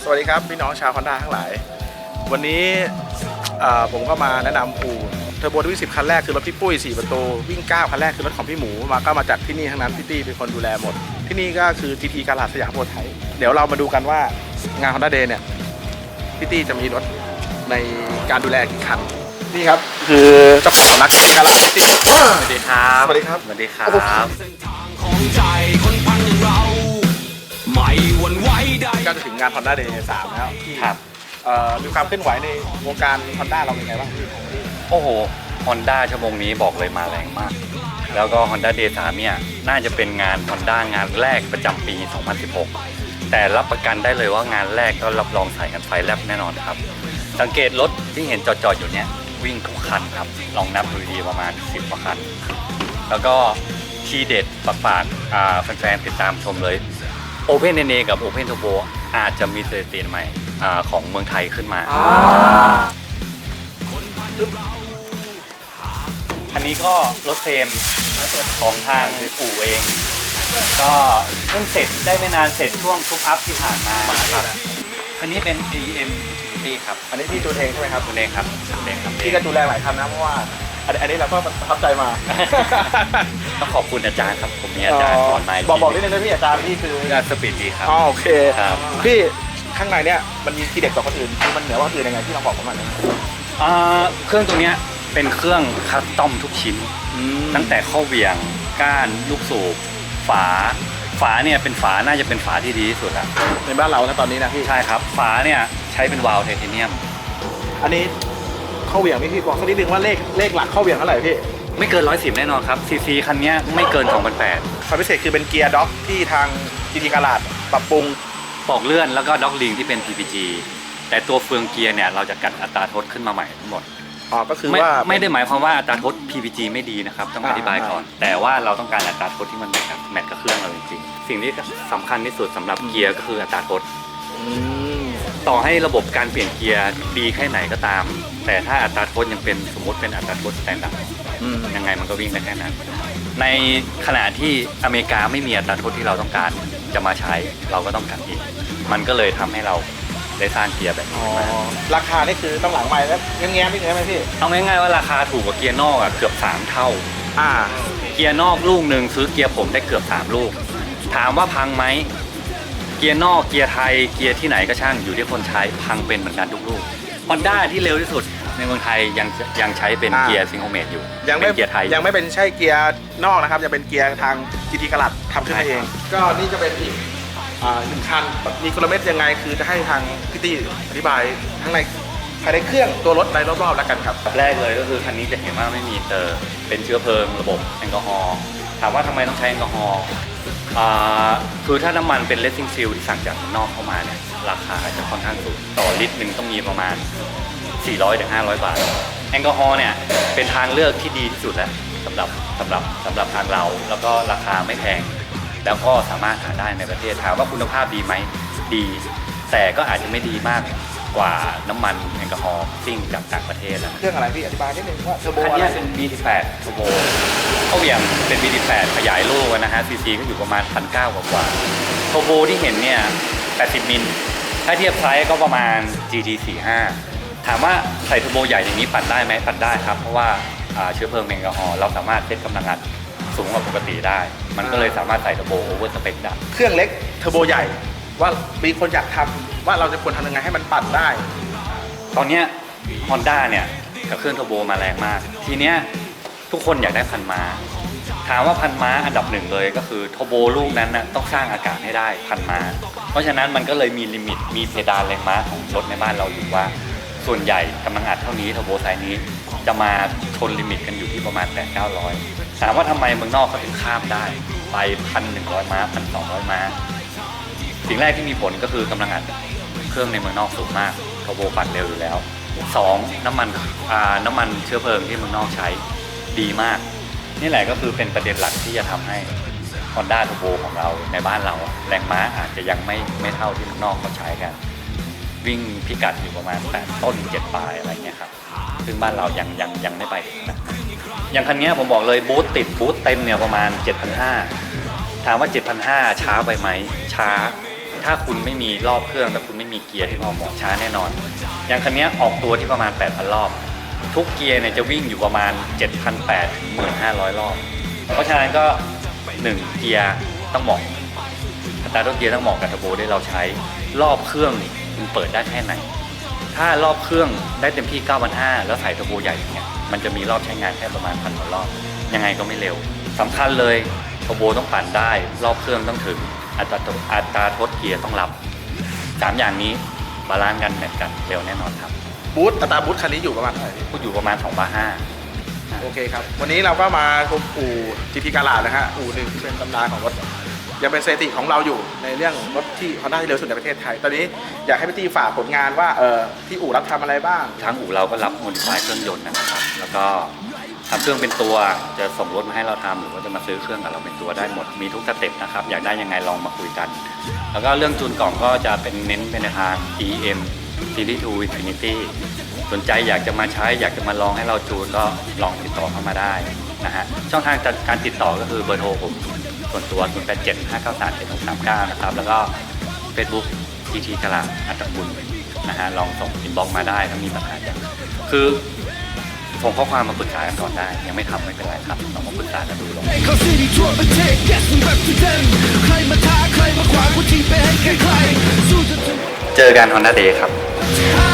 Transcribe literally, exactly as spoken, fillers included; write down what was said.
วัสดีครับพี่น้องชาวฮอนด้าทั้งหลายวันนี้ผมก็มาแนะนำอู่เทอร์โบวิ่งสิบคันแรกคือรถพี่ปุ้ยสี่ประตูวิ่งเก้าคันแรกคือรถของพี่หมูมาก็มาจากที่นี่ทั้งนั้นพี่ตี้เป็นคนดูแลหมดที่นี่ก็คือ จี ที การ์ดสยามโพไทยเดี๋ยวเรามาดูกันว่างาน Honda Day เนี่ยพี่ตี้จะมีรถในการดูแลกี่คันนี่ครับคือเจ้าของสำนักการ์ดพี่ตี้สวัสดีครับสวัสดีครับสวัสดีครับก็จะถึงงาน Honda Day สามแล้วที่มีความเคลื่อนไหวในวงการ Honda เราเป็นไงบ้างพี่โอ้โห Honda ชั่วโมงนี้บอกเลยมาแรงมากแล้วก็ Honda Day สามเนี่ยน่าจะเป็นงาน Honda งานแรกประจำปีสองพันสิบหกแต่รับประกันได้เลยว่างานแรกก็รับรองใส่กันไฟแลบแน่นอนครับสังเกตรถที่เห็นจอดๆอยู่เนี้ยวิ่งทุกคันครับลองนับดูดีประมาณสิบกว่าคันแล้วก็ทีเด็ดฝากๆแฟนๆติดตามชมเลย Open เอ็น เอ กับ Open Turbo อาจจะมีสถิติใหม่ของเมืองไทยขึ้นมาอันนี้ก็รถเฟรมของทางอู่เองก็เพิ่งเสร็จได้ไม่นานเสร็จช่วงทุกอัพที่ผ่านมาครับอันนี้เป็น เอ เอ็ม ดี ครับอันนี้พี่จูนเองใช่ไหมครับจูนเองครับจูนเองครับพี่ก็ดูแลหลายคันนะเพราะว่าอันนี้เราก็ประทับใจมาต้องขอบคุณอาจารย์ครับผมมีอาจารย์สอนมาบอกบอกนิดนึงนะพี่อาจารย์พี่คืออาจารย์สปีดดีครับอ๋อโอเคครับพี่ข้างในเนี้ยมันมีทีเด็ดกว่าคนอื่นคือมันเหนือกว่าคนอื่นยังไงที่เราบอกผมหน่อยเครื่องตัวเนี้ยเป็นเครื่องคัสตอมทุกชิ้นตั้งแต่ข้อเหวี่ยงก้านลูกสูบฝาฝาเนี่ยเป็นฝาน่าจะเป็นฝาที่ดีที่สุดแล้วในบ้านเรานะตอนนี้นะพี่ใช่ครับฝาเนี่ยใช้เป็นวาล์วไทเทเนียมอันนี้ข้อเหวี่ยงพี่บอกสักนิดนึงว่าเลขเลขหลักข้อเหวี่ยงเท่าไหร่พี่ไม่เกินร้อยสิบแน่นอนครับซีซีคันนี้ไม่เกินสองพันแปดความพิเศษคือเป็นเกียร์ด็อกที่ทาง จี ที การ์ดปรับปรุงปอกเลื่อนแล้วก็ด็อกลิงที่เป็น พี พี จี แต่ตัวเฟืองเกียร์เนี่ยเราจะกัดอัตราทดขึ้นมาใหม่ทั้งหมดอ๋อก็คือว่าไม่ได้หมายความว่าอัตราทด พี พี จี ไม่ดีนะครับต้องอธิบายก่อนแต่ว่าเราต้องการอัตราทดที่มันแมทกับแมทกับเครื่องเราจริงๆสิ่งที่สำคัญที่สุดสำหรับเกียร์ก็คืออัตราทดต่อให้ระบบการเปลี่ยนเกียร์ดีแค่ไหนก็ตามแต่ถ้าอัตราทดยังเป็นสมมติเป็นอัตราทดสแตนดาร์ดยังไงมันก็วิ่งได้แค่นั้นในขณะที่อเมริกาไม่มีอัตราทดที่เราต้องการจะมาใช้เราก็ต้องการอีกมันก็เลยทำให้เราได้สร้างเกียร์แบบนี้มาราคานี่คือต้องหลังใหม่แล้วแง้มๆนิดนึงไหมพี่เอาง่ายๆว่าราคาถูกกว่าเกียร์นอกอ่ะเกือบสามเท่าอ่าเกียร์นอกลูกหนึ่งซื้อเกียร์ผมได้เกือบสามลูกถามว่าพังไหมเกียร์นอกเกียร์ไทยเกียร์ที่ไหนก็ช่างอยู่ที่คนใช้พังเป็นเหมือนกันทุกลูก Honda ที่เร็วที่สุดในเมืองไทยยังยังใช้เป็นเกียร์ซิงโครเมตอยู่ยังไม่เกียร์ไทยยังไม่เป็นใช่เกียร์นอกนะครับจะเป็นเกียร์ทาง จี ที การ์ดทำขึ้นมาเองก็นี่จะเป็นอีกหนึ่งคันมีกลเม็ดยังไงคือจะให้ทางพี่ตี้อธิบายทั้งในภายในเครื่องตัวรถในรอบๆแล้วกันครับแรกเลยก็คือคันนี้จะเห็นว่าไม่มีเตอร์เป็นเชื้อเพลิงระบบแอลกอฮอล์ถามว่าทำไมต้องใช้แอลกอฮอล์คือถ้าน้ำมันเป็นเลสซิ่งซิลที่สั่งจากข้างนอกเข้ามาเนี่ยราคาจะค่อนข้างสูงต่อลิตรหนึ่งต้องมีประมาณสี่ร้อยถึงห้าร้อยบาทแอลกอฮอล์เนี่ยเป็นทางเลือกที่ดีที่สุดแล้วสำหรับสำหรับสำหรับทางเราแล้วก็ราคาไม่แพงแล้วก็สามารถหาได้ในประเทศถามว่าคุณภาพดีไหมดีแต่ก็อาจจะไม่ดีมากกว่าน้ำมันแอลกอฮอล์ซิ่งจากต่างประเทศนะเครื่องอะไรพี่อธิบายนิดนึงว่าเทอร์โบอันนี้เป็น บี สิบแปด เทอร์โบเขาเหวี่ยงเป็น บี สิบแปด ขยายลูกนะฮะซีซีก็อยู่ประมาณ หนึ่งพันเก้าร้อย กว่าเทอร์โบที่เห็นเนี่ยแปดสิบมิลถ้าเทียบไซส์ก็ประมาณ จี ที สี่สิบห้า ถามว่าใส่เทอร์โบใหญ่อย่างนี้ปั่นได้ไหมปั่นได้ครับเพราะว่าเชื้อเพลิงแอลกอฮอล์เราสามารถเซตกำลังอัดสูงกว่าปกติได้มันก็เลยสามารถใส่เทอร์โบโอเวอร์สเปคได้เครื่องเล็กเทอร์โบใหญ่ว่ามีคนอยากทำว่าเราจะควรทำยังไงให้มันปั่นได้ตอนนี้ Honda เนี่ยกับเครื่องเทอร์โบมาแรงมากทีเนี้ยทุกคนอยากได้พันม้าถามว่าพันม้าอันดับหนึ่งเลยก็คือเทอร์โบลูกนั้นนะต้องสร้างอากาศให้ได้พันม้าเพราะฉะนั้นมันก็เลยมีลิมิตมีเพดานแรงม้าของรถในบ้านเราอยู่ว่าส่วนใหญ่กำลังอัดเท่านี้เทอร์โบไซส์นี้จะมาชนลิมิตกันอยู่ที่ประมาณแปดเก้าร้อยถามว่าทำไมเมืองนอกเขาถึงข้ามได้ไปพันหนึ่งร้อยม้าพันสองร้อยม้าสิ่งแรกที่มีผลก็คือกำลังอัดเครื่องในเมืองนอกสูงมากเทอร์โบปั่นเร็วอยู่แล้วสองน้ำมันน้ำมันเชื้อเพลิงที่เมืองนอกใช้ดีมากนี่แหละก็คือเป็นประเด็นหลักที่จะทำให้ Honda Turbo ของเราในบ้านเราแรงม้าอาจจะยังไม่ไม่เท่าที่เมืองนอกเขาใช้กันวิ่งพิกัดอยู่ประมาณแปดต้นเจ็ดปลายอะไรเงี้ยครับซึ่งบ้านเรายังยังยังไม่ไปถึงนะอย่างคันนี้ผมบอกเลยบูทติดบูทเต็มเนี่ยประมาณ เจ็ดพันห้าร้อย ถามว่า เจ็ดพันห้าร้อย ช้าไปไหมช้าถถ้าคุณไม่มีรอบเครื่องและคุณไม่มีเกียร์ที่พอเหมาะช้าแน่นอน อย่างคันนี้ออกตัวที่ประมาณ แปดพัน รอบ ทุกเกียร์เนี่ยจะวิ่งอยู่ประมาณ เจ็ดพันแปดร้อย ถึง หนึ่งพันห้าร้อย รอบ เพราะฉะนั้นก็หนึ่งเกียร์ต้องเหมาะอัตราตัวเกียร์ต้องเหมาะกับเทอร์โบที่เราใช้รอบเครื่องนี่มันเปิดได้แค่ไหนถ้ารอบเครื่องได้เต็มที่ เก้าพันห้าร้อย แล้วใส่เทอร์โบใหญ่เนี่ยมันจะมีรอบใช้งานแค่ประมาณพันกว่ารอบยังไงก็ไม่เร็วสำคัญเลยเทอร์โบต้องปั่นได้รอบเครื่องต้องถึงอัตราอัตราทดเกียร์ต้องรับสามอย่างนี้บาลานซ์กันแมทกันเร็วแน่นอนครับบูธอัตราบูธคันนี้อยู่ประมาณเท่าไหร่พี่พูดอยู่ประมาณ สองพันห้าร้อยโอเคครับ วันนี้เราก็มาชมอู่ จี ที กาลาดนะฮะอู่หนึ่งที่เป็นตำนานของรถยังเป็นสถิติของเราอยู่ในเรื่องรถที่ฮอนด้าที่เร็วสุดในประเทศไทย ตอนนี้อยากให้พี่ตี้ฝากผลงานว่าเออที่อู่รับทำอะไรบ้างทางอู่เราก็รับโมดิฟายเครื่องยนต์นะครับ แล้วก็ทำเครื่องเป็นตัวจะส่งรถมาให้เราทำหรือว่าจะมาซื้อเครื่องกับเราเป็นตัวได้หมดมีทุกสเต็ปนะครับอยากได้ยังไงลองมาคุยกัน แล้วก็เรื่องจูนกล่องก็จะเป็นเน้นเป็นในทาง อี เอ็ม Series ทู Infinity สนใจอยากจะมาใช้อยากจะมาลองให้เราจูนก็ลองติดต่อเข้ามาได้นะฮะช่องทางการติดต่อก็คือเบอร์โทรผมส่วนตัวศูนย์ แปด เจ็ด ห้า เก้า สาม เจ็ด หก สาม เก้านะครับแล้วก็ Facebook จี ที กาลาดอัตบุญนะฮะลองส่งอินบ็อกซ์มาได้ถ้ามีปัญหาอย่างคือส่งข้อความมาปรึกษากันก่อนได้ยังไม่ทำไม่เป็นไรครับลองมาปรึกษากันดูลองเจอกัน Honda Day ครับ